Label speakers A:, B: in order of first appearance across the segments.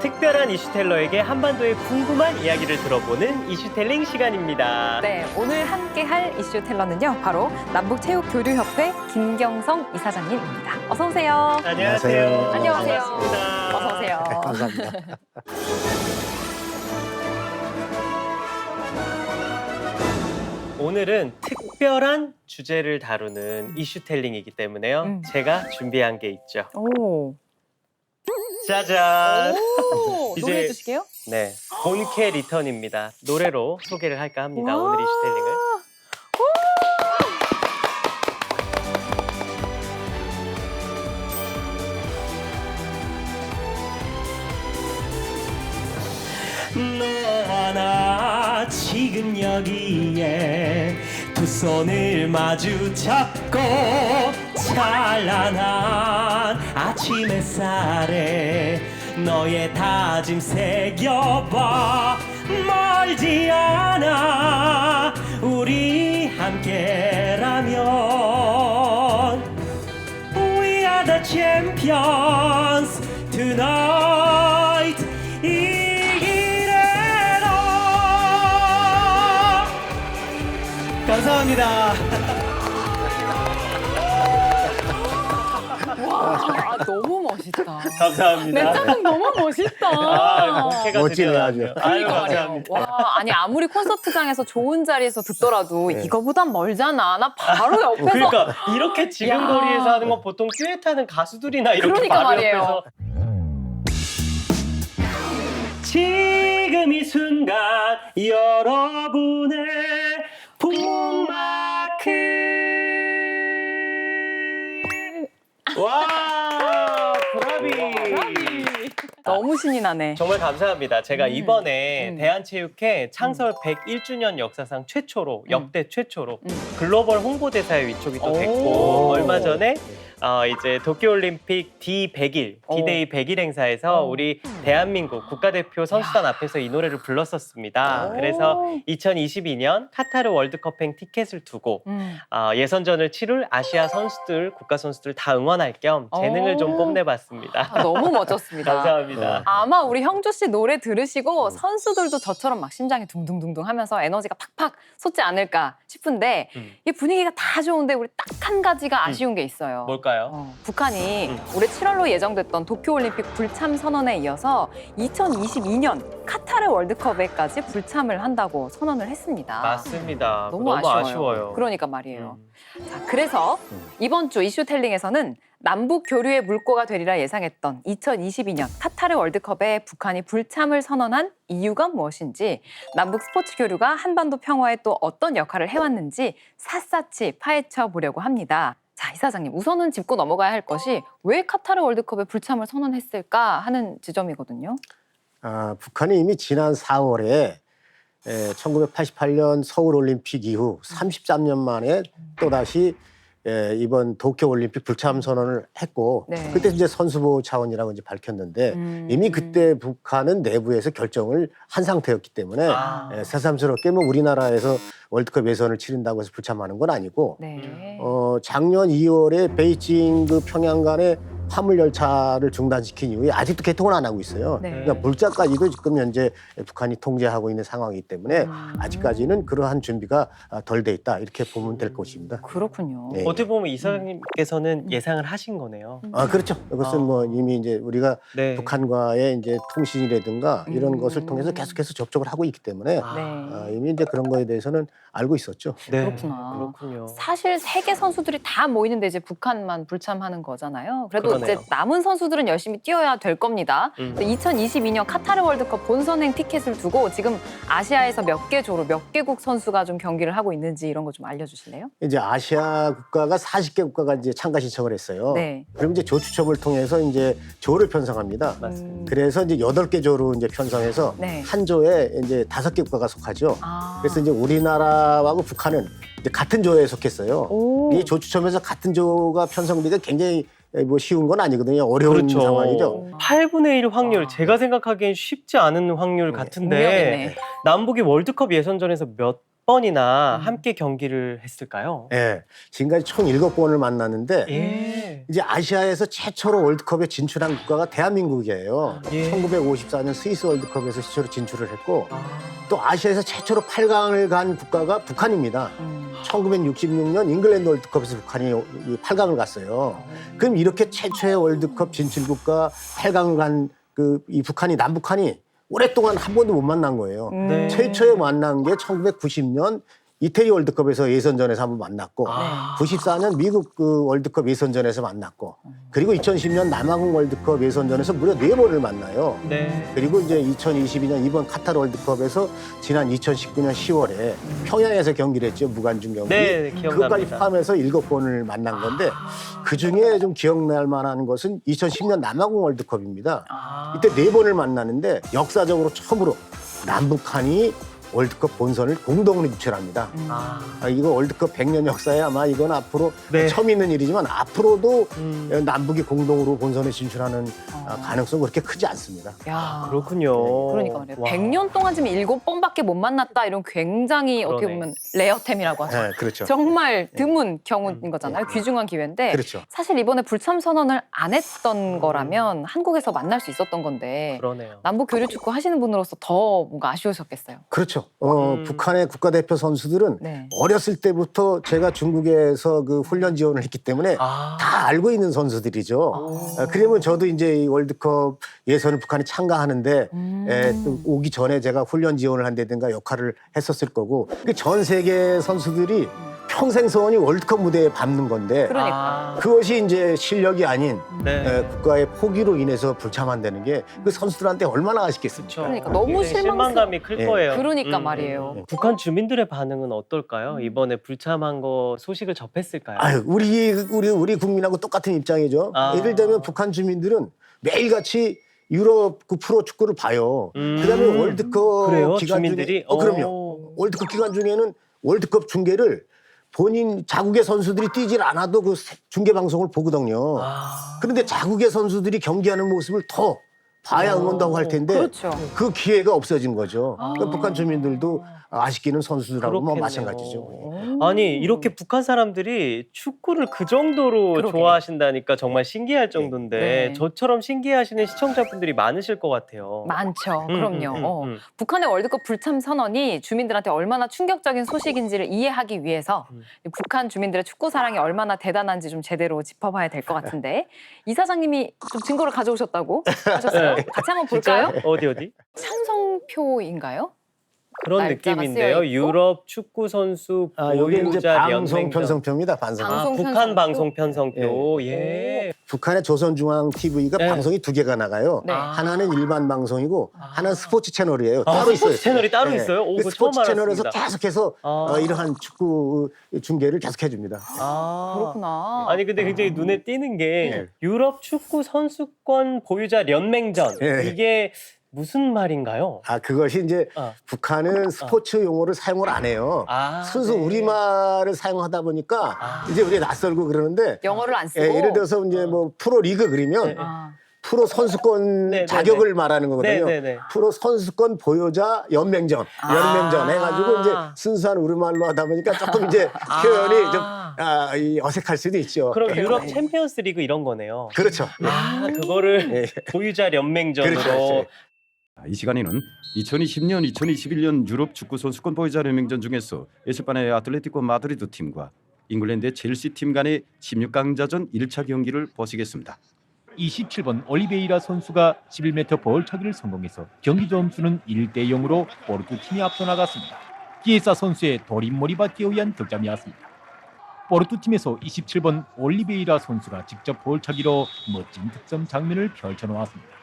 A: 특별한 이슈텔러에게 한반도의 궁금한 이야기를 들어보는 이슈텔링 시간입니다.
B: 네, 오늘 함께할 이슈텔러는요, 바로 남북체육교류협회 김경성 이사장님입니다. 어서 오세요.
A: 안녕하세요.
B: 안녕하세요.
A: 반갑습니다.
B: 어서 오세요.
C: 감사합니다.
A: 오늘은 특별한 주제를 다루는 이슈텔링이기 때문에요. 제가 준비한 게 있죠.
B: 오.
A: 짜잔!
B: 오,
A: 이제-
B: 노래해 주시게요?
A: 네, 본캐 리턴입니다. 노래로 소개를 할까 합니다.
B: 와.
A: 오늘 이슈텔링을. 너와 나 지금 여기에 두 손을 마주 잡고 찬란한 아침 햇살에 너의 다짐 새겨봐. 멀지 않아 우리 함께라면 We are the champions tonight. 이기래로. 감사합니다.
B: 와, 너무 멋있다.
A: 감사합니다.
B: 멘트는 너무 멋있다.
A: 본캐가
C: 멋지네,
A: 드디어
C: 아주.
A: 나왔네요.
B: 그러니까 말이에요.
A: 감사합니다.
B: 와, 아니 아무리 콘서트장에서 좋은 자리에서 듣더라도
C: 네.
B: 이거보단 멀잖아. 나 바로 옆에서.
A: 그러니까 이렇게 지금
B: 야.
A: 거리에서 하는 건 보통 듀엣하는 가수들이나 이렇게
B: 그러니까
A: 바로
B: 말이에요.
A: 옆에서 지금 이 순간 여러분의 북마크. 와, 브라비.
B: 너무 신이 나네.
A: 정말 감사합니다. 제가 이번에
B: 음.
A: 대한체육회 창설 101주년 역사상 최초로, 역대 최초로
B: 음.
A: 글로벌 홍보대사에 위촉이 또
B: 오.
A: 됐고, 얼마 전에 이제 도쿄올림픽 D100일, D-Day 100일 행사에서
B: 오.
A: 우리 대한민국 국가대표 선수단 앞에서 이 노래를 불렀었습니다.
B: 오.
A: 그래서 2022년 카타르 월드컵행 티켓을 두고 예선전을 치룰 아시아 선수들, 국가 선수들 다 응원할 겸 재능을 좀
B: 오.
A: 뽐내봤습니다.
B: 아, 너무 멋졌습니다.
A: 감사합니다.
B: 아마 우리 형주 씨 노래 들으시고 선수들도 저처럼 막 심장이 둥둥둥둥 하면서 에너지가 팍팍 솟지 않을까 싶은데 이 분위기가 다 좋은데 우리 딱 한 가지가 아쉬운 게 있어요.
A: 뭘까요?
B: 북한이 올해 7월로 예정됐던 도쿄올림픽 불참 선언에 이어서 2022년 카타르 월드컵에까지 불참을 한다고 선언을 했습니다.
A: 맞습니다.
B: 너무
A: 아쉬워요.
B: 그러니까 말이에요. 자, 그래서 이번 주 이슈텔링에서는 남북 교류의 물꼬가 되리라 예상했던 2022년 카타르 월드컵에 북한이 불참을 선언한 이유가 무엇인지, 남북 스포츠 교류가 한반도 평화에 또 어떤 역할을 해왔는지 샅샅이 파헤쳐 보려고 합니다. 자, 이사장님, 우선은 짚고 넘어가야 할 것이 왜 카타르 월드컵에 불참을 선언했을까 하는 지점이거든요.
C: 북한이 이미 지난 4월에 1988년 서울올림픽 이후 33년 만에 또다시 이번 도쿄올림픽 불참 선언을 했고,
B: 네.
C: 그때 이제 선수보호 차원이라고 이제 밝혔는데 이미 그때 북한은 내부에서 결정을 한 상태였기 때문에 새삼스럽게 뭐 우리나라에서 월드컵 예선을 치른다고 해서 불참하는 건 아니고,
B: 네.
C: 작년 2월에 베이징 그 평양 간의 화물 열차를 중단시킨 이후에 아직도 개통을 안 하고 있어요.
B: 네.
C: 그러니까 물자까지도 지금 현재 북한이 통제하고 있는 상황이기 때문에 아직까지는 그러한 준비가 덜 돼 있다, 이렇게 보면 될 것입니다.
B: 그렇군요.
C: 네.
A: 어떻게 보면 이사장님께서는 예상을 하신 거네요.
C: 그렇죠. 이것은 뭐 이미 이제 우리가
A: 네.
C: 북한과의 이제 통신이라든가 이런 것을 통해서 계속해서 접촉을 하고 있기 때문에
B: 네.
C: 이미 이제 그런 거에 대해서는 알고 있었죠.
A: 네.
B: 그렇구나.
A: 그렇군요.
B: 사실 세계 선수들이 다 모이는데 이제 북한만 불참하는 거잖아요. 그래도
A: 그러네요.
B: 이제 남은 선수들은 열심히 뛰어야 될 겁니다. 2022년 카타르 월드컵 본선행 티켓을 두고 지금 아시아에서 몇 개 조로 몇 개국 선수가 좀 경기를 하고 있는지 이런 거 좀 알려주실래요?
C: 이제 아시아 국가가 40개 국가가 이제 참가 신청을 했어요.
B: 네.
C: 그럼 이제 조 추첨을 통해서 이제 조를 편성합니다.
A: 맞습니다.
C: 그래서 이제 8개 조로 이제 편성해서
B: 네.
C: 한 조에 이제 5개 국가가 속하죠. 그래서 이제 우리나라하고 북한은 이제 같은 조에 속했어요.
B: 오.
C: 이 조 추첨에서 같은 조가 편성되기가 굉장히 뭐 쉬운 건 아니거든요. 어려운
A: 그렇죠.
C: 상황이죠.
A: 8분의 1 확률, 제가 생각하기엔 쉽지 않은 확률 같은데
B: 운명이네.
A: 남북이 월드컵 예선전에서 몇 번이나 함께 경기를 했을까요?
C: 예, 지금까지 총 7번을 만났는데
A: 예.
C: 이제 아시아에서 최초로 월드컵에 진출한 국가가 대한민국이에요.
A: 예.
C: 1954년 스위스 월드컵에서 최초로 진출을 했고
A: 아.
C: 또 아시아에서 최초로 8강을 간 국가가 북한입니다. 1966년 잉글랜드 월드컵에서 북한이 이 8강을 갔어요. 그럼 이렇게 최초의 월드컵 진출국가 8강을 간 이 북한이 남북한이 오랫동안 한 번도 못 만난 거예요.
A: 네.
C: 최초에 만난 게 1990년 이태리 월드컵에서 예선전에서 한번 만났고
A: 아.
C: 94년 미국 그 월드컵 예선전에서 만났고 그리고 2010년 남아공 월드컵 예선전에서 무려 4번을 만나요.
A: 네.
C: 그리고 이제 2022년 이번 카타르 월드컵에서 지난 2019년 10월에 평양에서 경기를 했죠. 무관중 경기.
A: 네,
C: 그것까지
A: 기억납니다.
C: 포함해서 7번을 만난 건데 그중에 좀 기억날 만한 것은 2010년 남아공 월드컵입니다.
A: 아.
C: 이때 4번을 만나는데 역사적으로 처음으로 남북한이 월드컵 본선을 공동으로 유출합니다.
A: 아.
C: 이거 월드컵 100년 역사에 아마 이건 앞으로
A: 네.
C: 처음 있는 일이지만 앞으로도
A: 음.
C: 남북이 공동으로 본선에 진출하는 가능성은 그렇게 크지 않습니다.
B: 야,
A: 그렇군요.
B: 그러니까 말이에요.
A: 와.
B: 100년 동안 지금 7번밖에 못 만났다 이런 굉장히 어떻게
A: 그러네.
B: 보면 레어템이라고 하죠.
C: 네, 그렇죠.
B: 정말 드문 경우인 거잖아요. 귀중한 기회인데
C: 그렇죠.
B: 사실 이번에 불참 선언을 안 했던 거라면 한국에서 만날 수 있었던 건데
A: 그러네요.
B: 남북 교류 축구 하시는 분으로서 더 뭔가 아쉬우셨겠어요.
C: 그렇죠.
A: 음.
C: 북한의 국가대표 선수들은
B: 네.
C: 어렸을 때부터 제가 중국에서 그 훈련 지원을 했기 때문에
A: 아.
C: 다 알고 있는 선수들이죠. 그러면 저도 이제 이 월드컵 예선을 북한이 참가하는데 또 오기 전에 제가 훈련 지원을 한다든가 역할을 했었을 거고 그 전 세계 선수들이 평생 소원이 월드컵 무대에 밟는 건데
B: 그러니까.
C: 그것이 이제 실력이 아닌
A: 네.
C: 국가의 포기로 인해서 불참한다는 게 그 선수들한테 얼마나 아쉽겠습니까?
B: 그러니까 너무
A: 굉장히 실망감이 클
C: 예.
A: 거예요.
B: 그러니까 말이에요.
A: 북한 주민들의 반응은 어떨까요? 이번에 불참한 거 소식을 접했을까요?
C: 아유, 우리 국민하고 똑같은 입장이죠.
A: 아.
C: 예를 들면 북한 주민들은 매일같이 유럽 그 프로 축구를 봐요. 그다음에 월드컵
A: 그래요?
C: 기간
A: 주민들이?
C: 중에 그럼요.
A: 오.
C: 월드컵 기간 중에는 월드컵 중계를 본인 자국의 선수들이 뛰질 않아도 그 중계 방송을 보거든요.
A: 아.
C: 그런데 자국의 선수들이 경기하는 모습을 더 봐야 응원하고 할 텐데
B: 그렇죠.
C: 그 기회가 없어진 거죠.
B: 아.
C: 그러니까 북한 주민들도 아쉽기는 선수들하고 뭐
A: 그렇겠네요.
C: 마찬가지죠.
A: 아니 이렇게 북한 사람들이 축구를 그 정도로
B: 그러게.
A: 좋아하신다니까 정말 신기할 정도인데
B: 네.
A: 저처럼 신기해하시는 시청자분들이 많으실 것 같아요.
B: 많죠. 그럼요. 북한의 월드컵 불참 선언이 주민들한테 얼마나 충격적인 소식인지를 이해하기 위해서 북한 주민들의 축구 사랑이 얼마나 대단한지 좀 제대로 짚어봐야 될 것 같은데 이사장님이 좀 증거를 가져오셨다고 하셨어요.
A: 네.
B: 같이 한번 볼까요?
A: 어디?
B: 찬성표인가요?
A: 그런
B: 날짜가
A: 느낌인데요.
B: 쓰여있고?
A: 유럽 축구 선수
C: 이게 이제
A: 보유자
C: 방송
A: 연맹전.
C: 편성표입니다. 방송.
B: 방송
A: 북한
B: 편성표?
A: 방송 편성표. 예.
C: 북한의 조선중앙 TV가
A: 네.
C: 방송이 2개가 나가요.
B: 네.
C: 하나는 일반 방송이고 하나는 스포츠 채널이에요. 따로 있어요.
A: 스포츠 채널이 따로 있어요? 오,
C: 그
A: 그거 처음
C: 스포츠 채널에서
A: 알았습니다.
C: 계속해서
A: 아.
C: 이러한 축구 중계를 계속해 줍니다.
A: 아.
B: 그렇구나.
A: 아니 근데 굉장히 눈에 띄는 게
C: 네.
A: 유럽 축구 선수권 보유자 연맹전
C: 네.
A: 이게 무슨 말인가요?
C: 그것이 이제 북한은 스포츠 용어를 사용을 안 해요. 순수
A: 네.
C: 우리말을 사용하다 보니까 이제 우리 낯설고 그러는데
B: 영어를 안 쓰고.
C: 예를 들어서 이제 뭐 프로 리그 그러면
A: 네.
C: 프로 선수권
A: 네, 네,
C: 자격을 말하는 거거든요.
A: 네, 네, 네.
C: 프로 선수권 보유자 연맹전 해가지고 이제 순수한 우리말로 하다 보니까 조금 이제 표현이 좀 이 어색할 수도 있죠.
A: 그럼 유럽 챔피언스 리그 이런 거네요.
C: 그렇죠.
A: 그거를 보유자 연맹전으로.
C: 그렇죠.
D: 이 시간에는 2020년, 2021년 유럽 축구 선수권 보유자 연맹전 중에서 에스파냐의 아틀레티코 마드리드 팀과 잉글랜드의 첼시 팀 간의 16강자전 1차 경기를 보시겠습니다.
E: 27번 올리베이라 선수가 11m 벌차기를 성공해서 경기 점수는 1대 0으로 포르투 팀이 앞서 나갔습니다. 기에사 선수의 도림머리 받기에 의한 득점이었습니다. 포르투 팀에서 27번 올리베이라 선수가 직접 벌차기로 멋진 득점 장면을 펼쳐놓았습니다.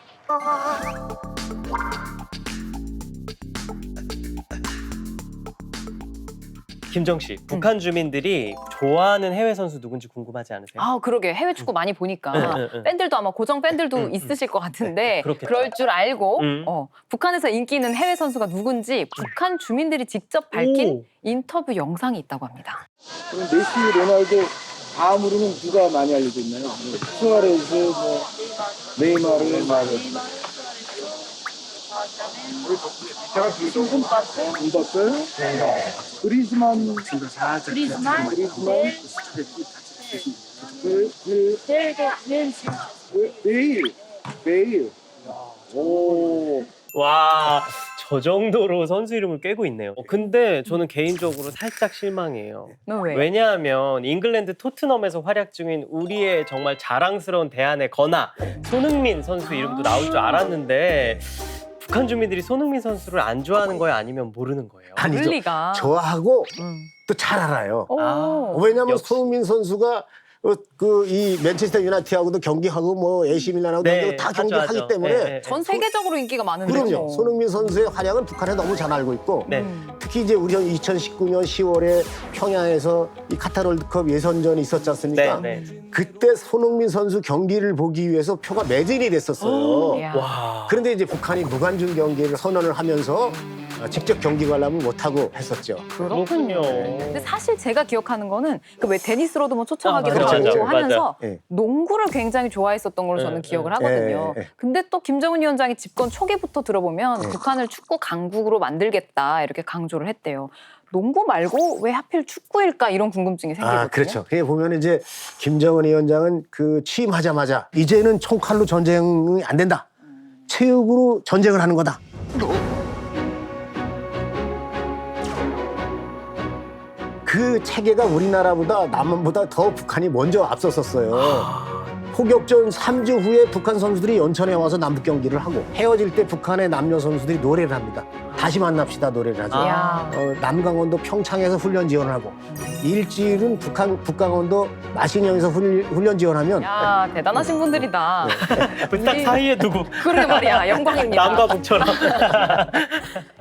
A: 김정 씨, 북한 주민들이 좋아하는 해외 선수 누군지 궁금하지 않으세요?
B: 그러게 해외 축구 많이 보니까 팬들도 아마 고정 팬들도 있으실 것 같은데
A: 그렇겠죠.
B: 그럴 줄 알고 북한에서 인기 있는 해외 선수가 누군지 북한 주민들이 직접 밝힌 인터뷰 영상이 있다고 합니다.
F: 그럼 메시, 로날도 다음으로는 누가 많이 알려져 있나요? 수아레즈, 네이마르. 그리즈만 베일. 오.
A: 와, 저 정도로 선수 이름을 깨고 있네요. 근데 저는 개인적으로 살짝 실망이에요.
B: 너 왜?
A: 왜냐하면 잉글랜드 토트넘에서 활약 중인 우리의 정말 자랑스러운 대안의 건아 손흥민 선수 이름도 나올 줄 알았는데 북한 주민들이 손흥민 선수를 안 좋아하는 거예요? 아니면 모르는 거예요?
B: 그럴
C: 아니죠.
B: 리가.
C: 좋아하고
B: 음.
C: 또 잘 알아요.
B: 오.
C: 왜냐하면
A: 역시.
C: 손흥민 선수가 이 맨체스터 유나이티드하고도 경기하고 뭐 AC 밀란하고
A: 네,
C: 다
A: 하죠,
C: 경기를
A: 하죠.
C: 하기 때문에
A: 네, 네.
B: 전 세계적으로 인기가 많은데.
C: 그럼요. 손흥민 선수의 활약은 북한에 너무 잘 알고 있고
A: 네.
C: 특히 이제 우리 2019년 10월에 평양에서 이 카타르 월드컵 예선전이 있었지 않습니까?
A: 네, 네.
C: 그때 손흥민 선수 경기를 보기 위해서 표가 매진이 됐었어요.
B: 이야.
A: 와.
C: 그런데 이제 북한이 무관중 경기를 선언을 하면서 직접 경기 관람을 못하고 했었죠.
B: 그렇군요. 근데 사실 제가 기억하는 거는 그 왜 데니스로도 뭐 초청하기도
A: 맞아,
B: 하고
C: 맞아,
B: 하면서
C: 맞아. 예.
B: 농구를 굉장히 좋아했었던 걸로 저는
A: 예,
B: 기억을
A: 예.
B: 하거든요.
C: 예, 예.
B: 근데 또 김정은 위원장이 집권 초기부터 들어보면
C: 예.
B: 북한을 축구 강국으로 만들겠다 이렇게 강조를 했대요. 농구 말고 왜 하필 축구일까 이런 궁금증이 생기거든요.
C: 그렇죠. 그게 보면 이제 김정은 위원장은 그 취임하자마자 이제는 총칼로 전쟁이 안 된다. 체육으로 전쟁을 하는 거다. 그 체계가 우리나라보다 남한보다 더 북한이 먼저 앞섰었어요. 포격전 3주 후에 북한 선수들이 연천에 와서 남북 경기를 하고 헤어질 때 북한의 남녀 선수들이 노래를 합니다. 다시 만납시다 노래를 하죠.
B: 이야.
C: 남강원도 평창에서 훈련 지원을 하고 일주일은 북강원도 마신령에서 훈련 지원하면
B: 야 대단하신 분들이다.
A: 딱 사이에 두고
B: 그러게 말이야 영광입니다.
A: 남과 북처럼.